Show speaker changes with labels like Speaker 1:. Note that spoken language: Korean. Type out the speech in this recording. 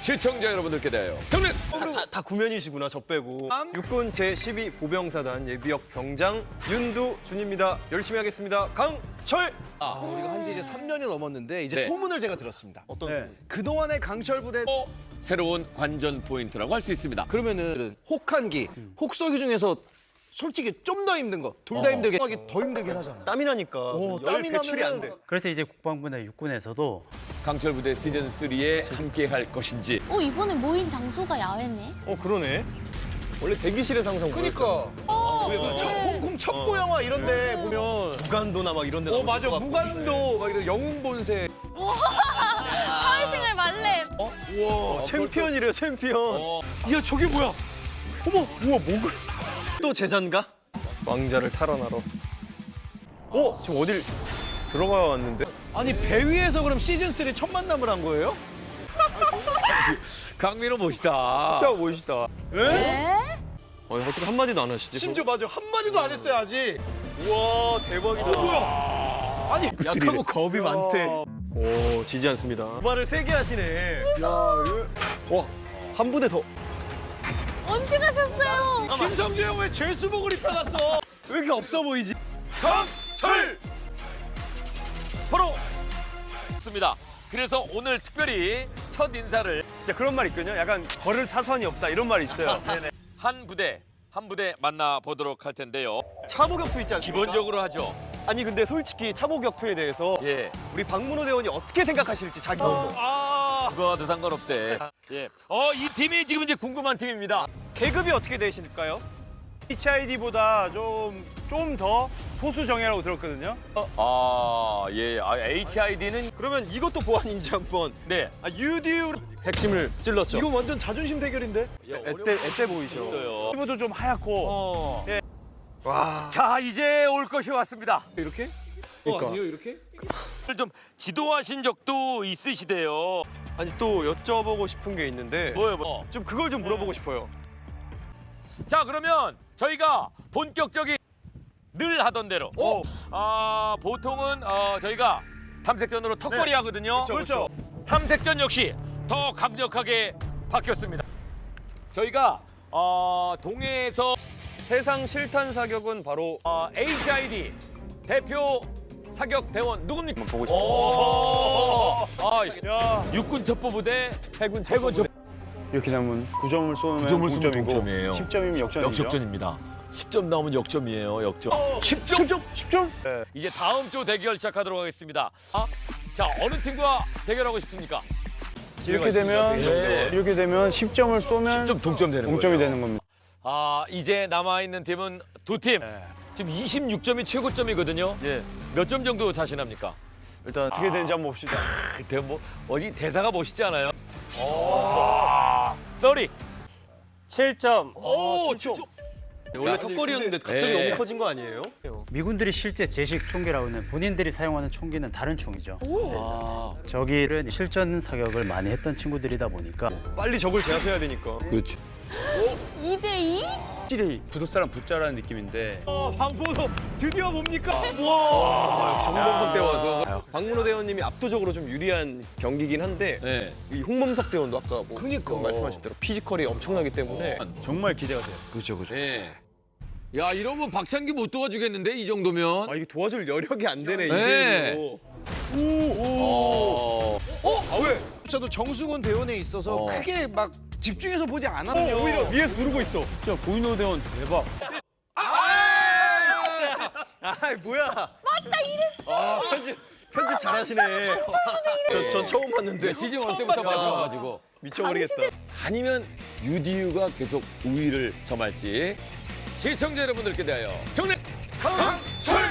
Speaker 1: 시청자 여러분들께 대하여 경례.
Speaker 2: 다 구면이시구나, 저 빼고. 육군 제12 보병사단 예비역 병장 윤두준입니다. 열심히 하겠습니다. 강철!
Speaker 3: 우리가 한지 이제 3년이 넘었는데 이제
Speaker 1: 네.
Speaker 3: 소문을 제가 들었습니다.
Speaker 2: 어떤 소문?
Speaker 3: 그동안의 강철 부대
Speaker 1: 새로운 관전 포인트라고 할 수 있습니다.
Speaker 3: 그러면은 혹한기, 혹서기 중에서 솔직히 좀 더 힘든 거, 둘 다 힘들게 하기 더 힘들긴 하잖아.
Speaker 2: 땀이 나니까 열
Speaker 3: 땀이
Speaker 2: 배출이 안 돼.
Speaker 4: 그래서 이제 국방부나 육군에서도
Speaker 1: 강철 부대 시즌 3에 함께 할 것인지.
Speaker 5: 이번에 모인 장소가 야외네.
Speaker 2: 그러네. 원래 대기실의 상상.
Speaker 3: 그러니까 홍콩 첩보 영화 이런데 보면
Speaker 2: 무간도나 막 이런 데 나오는
Speaker 3: 맞아
Speaker 2: 것 같고.
Speaker 3: 무간도 막 이런 영웅 본색.
Speaker 5: 사회생활 말렘.
Speaker 2: 우와, 챔피언이래요, 챔피언.
Speaker 3: 이야 저게 뭐야? 어머 우와 목을.
Speaker 2: 또 제자인가? 왕자를 탈환하러. 지금 어딜 들어가 왔는데?
Speaker 3: 아니 배 위에서 그럼 시즌 3 첫 만남을 한 거예요?
Speaker 1: 강민호 멋있다.
Speaker 2: 진짜 멋있다.
Speaker 5: 네?
Speaker 2: 어떻게 한마디도 안 하시지?
Speaker 3: 심지어 맞아 한 마디도 안 했어요 아직.
Speaker 2: 우와, 대박이다.
Speaker 3: 뭐야? 아니
Speaker 2: 약하고 겁이 많대. 오, 지지 않습니다. 말을 세게 하시네. 와, 한 부대 더.
Speaker 5: 언제 가셨어요?
Speaker 3: 김성주 형 왜 죄수복을 입혀놨어?
Speaker 2: 왜 이렇게 없어 보이지?
Speaker 3: 강철.
Speaker 1: 바로 있습니다. 그래서 오늘 특별히 첫 인사를
Speaker 2: 진짜 그런 말 있거든요. 약간 걸을 타선이 없다 이런 말이 있어요.
Speaker 1: 한 부대 만나보도록 할 텐데요.
Speaker 2: 참호격투 있지 않습니까?
Speaker 1: 기본적으로 하죠.
Speaker 2: 아니 근데 솔직히 참호격투에 대해서
Speaker 1: 예.
Speaker 2: 우리 박문호 대원이 어떻게 생각하실지 자기 보고.
Speaker 1: 그거와도 상관없대. 예. 이 팀이 지금 이제 궁금한 팀입니다.
Speaker 2: 계급이 어떻게 되실까요? HID보다 좀 더 소수 정예라고 들었거든요.
Speaker 1: 예. HID는
Speaker 2: 그러면 이것도 보안인지 한번.
Speaker 1: 네.
Speaker 2: UDU 핵심을 찔렀죠.
Speaker 3: 이거 완전 자존심 대결인데?
Speaker 2: 애때 보이셔.
Speaker 1: 있어요.
Speaker 2: 피부도 좀 하얗고.
Speaker 1: 예.
Speaker 2: 와.
Speaker 1: 자, 이제 올 것이 왔습니다.
Speaker 3: 이렇게?
Speaker 2: 그러니까.
Speaker 3: 아니요 이렇게?
Speaker 1: 좀 지도하신 적도 있으시대요.
Speaker 2: 아니 또 여쭤보고 싶은 게 있는데
Speaker 1: 뭐요?
Speaker 2: 좀 그걸 좀 물어보고 싶어요.
Speaker 1: 자, 그러면 저희가 본격적인 늘 하던 대로. 보통은 저희가 탐색전으로 턱걸이 하거든요.
Speaker 2: 그렇죠.
Speaker 1: 탐색전 역시 더 강력하게 바뀌었습니다. 저희가 동해에서
Speaker 2: 해상 실탄 사격은 바로
Speaker 1: HID 대표 사격 대원 누굽니까?
Speaker 2: 보고 싶습니다.
Speaker 1: 야, 육군 첩보부대
Speaker 2: 해군
Speaker 1: 첩보
Speaker 4: 이렇게 되면 9점을 쏘면
Speaker 1: 9점을 쏘면
Speaker 4: 9점이고
Speaker 1: 동점이에요.
Speaker 4: 10점이면 역전이죠.
Speaker 1: 역전입니다. 10점 나오면 역점이에요. 역점.
Speaker 2: 10점?
Speaker 1: 이제 다음 주 대결 시작하도록 하겠습니다. 자, 어느 팀과 대결하고 싶습니까?
Speaker 4: 이렇게 되면
Speaker 1: 네.
Speaker 4: 이렇게 되면 10점을 쏘면
Speaker 1: 10점 동점 되는
Speaker 4: 동점이
Speaker 1: 거예요.
Speaker 4: 되는 겁니다.
Speaker 1: 이제 남아있는 팀은 두 팀. 지금 26점이 최고점이거든요.
Speaker 2: 예.
Speaker 1: 몇 점 정도 자신합니까?
Speaker 2: 일단
Speaker 4: 어떻게 되는지 한번 봅시다.
Speaker 1: 그때 어디 대사가 멋있지 않아요? 쏘리.
Speaker 4: 7점.
Speaker 1: 오, 7점.
Speaker 2: 원래 턱걸이였는데 갑자기
Speaker 1: 네.
Speaker 2: 너무 커진 거 아니에요?
Speaker 4: 미군들이 실제 제식 총기라고 하는 본인들이 사용하는 총기는 다른 총이죠. 저기를 실전 사격을 많이 했던 친구들이다 보니까
Speaker 2: 빨리 적을 제압해야 되니까.
Speaker 1: 그렇죠.
Speaker 5: 2대2?
Speaker 4: 확실히 부두사람 붙자라는 느낌인데
Speaker 2: 박문호 드디어 뭡니까? 와, 역시 홍범석 대원. 박문호 대원님이 압도적으로 좀 유리한 경기긴 한데
Speaker 1: 네.
Speaker 2: 이 홍범석 대원도 아까
Speaker 3: 그니까.
Speaker 2: 말씀하신 대로 피지컬이 엄청나기 때문에
Speaker 4: 정말 기대가 돼요.
Speaker 2: 그렇죠.
Speaker 1: 네. 야, 이러면 박찬기 못 도와주겠는데 이 정도면.
Speaker 2: 이게 도와줄 여력이 안 되네
Speaker 1: 네.
Speaker 2: 이대로.
Speaker 3: 왜? 저도 정수근 대원에 있어서 크게 막 집중해서 보지 않았거든요.
Speaker 2: 오히려 위에서 누르고 있어.
Speaker 4: 진짜 고인호 대원 대박.
Speaker 2: 아이 뭐야? 맞다 이랬지. 편집 잘하시네. 전 처음 봤는데
Speaker 1: 시즌 1 때부터 봐가지고
Speaker 2: 미쳐버리겠다.
Speaker 1: 아니면 UDU가 계속 우위를 점할지 시청자 여러분들께 대하여 경례 강철.